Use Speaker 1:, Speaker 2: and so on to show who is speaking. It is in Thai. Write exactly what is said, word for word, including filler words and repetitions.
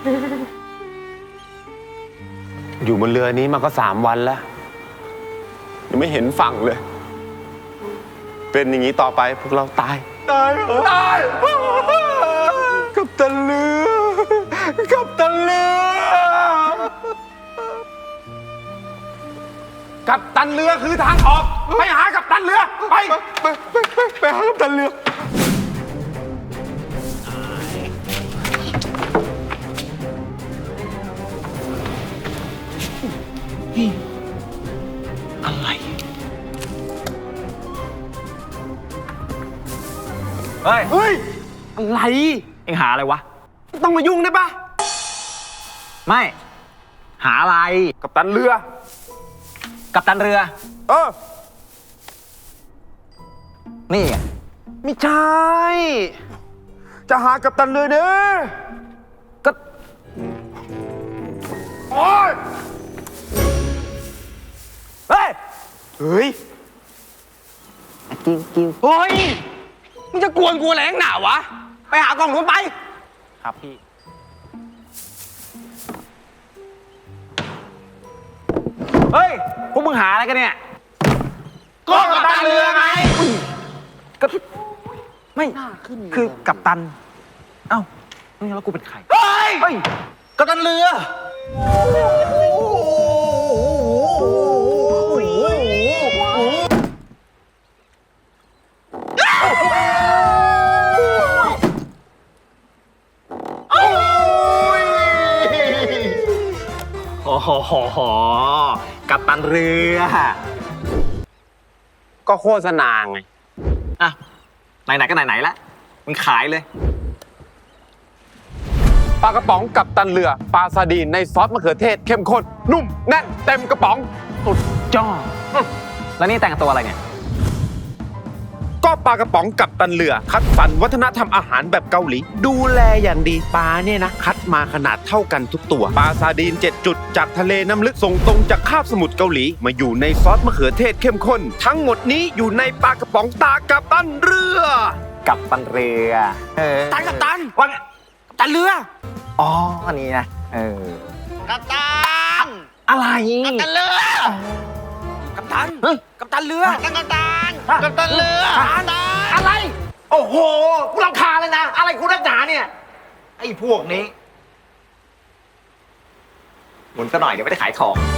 Speaker 1: อยู่บนเรือนี้มาก็สามวันแล้วยังไม่เห็นฝั่งเลย เป็นอย่างนี้ต่อไปพวกเราตายตายตายกับตันเรือกับตันเรือกับตันเรือคือทางออกไปหากับตันเรือไปไปไปไปไปหากับตันเรืออะไรเฮ้ยเฮ้ยอะไร
Speaker 2: เอ็งหาอะไรวะ
Speaker 1: ต้องมายุ่งได้ปะ
Speaker 2: ไม่หาอะไร
Speaker 1: กับตันเรือ
Speaker 2: กัปตันเรือ
Speaker 1: เออ
Speaker 2: นี่ไง
Speaker 1: ไม่ใช่จะหากับตันเรือเด้อ
Speaker 2: ก็
Speaker 1: โอ๊ยเฮ้ยเฮ้ย
Speaker 2: กิ้วกิ้ว
Speaker 1: เฮ้ยมึงจะกวนกูแรงหนาวะไปหากล่องนู้นไป
Speaker 2: ครับพี่เฮ้ยพวกมึงหาอะไรกันเนี่ย
Speaker 1: ก็กัปตันเรือไง
Speaker 2: ก็ไม่คือกัปตันเอ้าแล้วกูเป็นใคร
Speaker 1: เฮ้ย
Speaker 2: เฮ้ยกัปตันเรือโอ้โหกัปตันเรือ
Speaker 1: ก็โฆษณาไง
Speaker 2: อ่ะไหนๆก็ไหนๆละมึงขายเลย
Speaker 1: ปลากระป๋องกับตันเรือปลาซาดีนในซอสมะเขือเทศเข้มข้นนุ่มแน่นเต็มกระป๋อง
Speaker 2: สุดยอดแล้วนี่แต่งตัวอะไรเนี่ย
Speaker 1: ก็ปลากระป๋องกับตันเรือคัดสรรวัฒนธรรมอาหารแบบเกาหลีดูแลอย่างดีปลาเนี่ยนะคัดมาขนาดเท่ากันทุกตัวปลาซาดีนเจ็ดจุดจากทะเลน้ำลึกส่งตรงจากคาบสมุทรเกาหลีมาอยู่ในซอสมะเขือเทศเข้มข้นทั้งหมดนี้อยู่ในปลากระป๋องตากับตันเรือ
Speaker 2: กับตันเรือ
Speaker 1: เออตันกับตันว่ากัปตันเรือ
Speaker 2: อ๋ออันนี้นะเออ
Speaker 1: กัปตัน
Speaker 2: อะไร
Speaker 1: กัปตันเรือกัปตันกัปตันเรือกัปตันกัปตันเรือกัปตันอะไรโอ้โหกูรำคาญเลยนะอะไรกูนักหนาเนี่ย
Speaker 2: ไอ้พวกนี้หมุนซะหน่อยเดี๋ยวไม่ได้ขายของ